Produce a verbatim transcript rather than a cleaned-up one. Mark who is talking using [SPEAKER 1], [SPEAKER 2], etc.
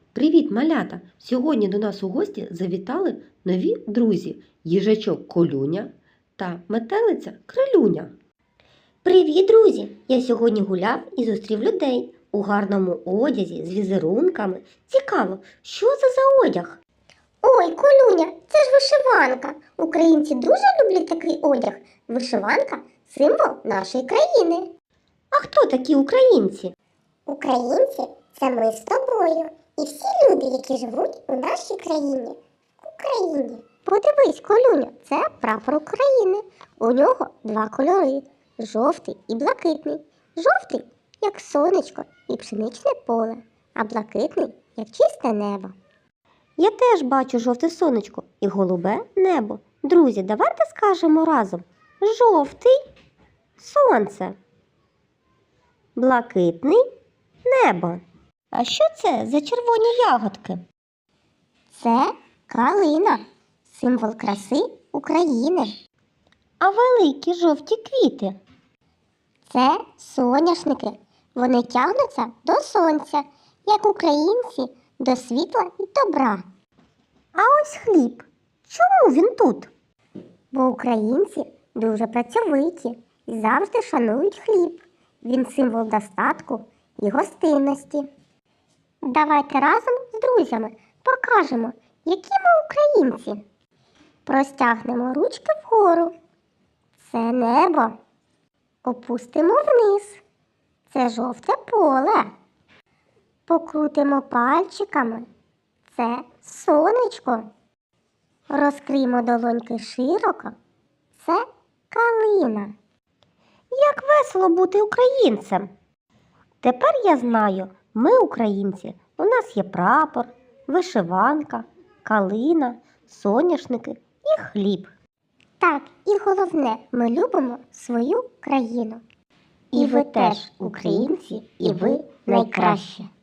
[SPEAKER 1] Привіт, малята! Сьогодні до нас у гості завітали нові друзі – їжачок Колюня та метелиця Крилюня.
[SPEAKER 2] Привіт, друзі! Я сьогодні гуляв і зустрів людей у гарному одязі з візерунками. Цікаво, що це за одяг? Ой, Колюня, це ж вишиванка. Українці дуже люблять такий одяг. Вишиванка – символ нашої країни. А хто такі українці? Українці – це ми з тобою. І всі люди, які живуть у нашій країні. Україні. Подивись, Колюня, це прапор України. У нього два кольори – жовтий і блакитний. Жовтий – як сонечко і пшеничне поле, а блакитний – як чисте небо. Я теж бачу жовте сонечко і голубе небо. Друзі, давайте скажемо разом: жовтий – сонце, блакитний – небо. А що це за червоні ягодки? Це калина, символ краси України. А великі жовті квіти? Це соняшники. Вони тягнуться до сонця, як українці до світла і добра. А ось хліб. Чому він тут? Бо українці дуже працьовиті і завжди шанують хліб. Він символ достатку і гостинності. Давайте разом з друзями покажемо, які ми українці. Простягнемо ручки вгору. Це небо. Опустимо вниз. Це жовте поле. Покрутимо пальчиками. Це сонечко. Розкриємо долоньки широко. Це калина. Як весело бути українцем! Тепер я знаю, ми українці. У нас є прапор, вишиванка, калина, соняшники і хліб. Так, і головне, ми любимо свою країну. І ви теж українці, і ви найкраще.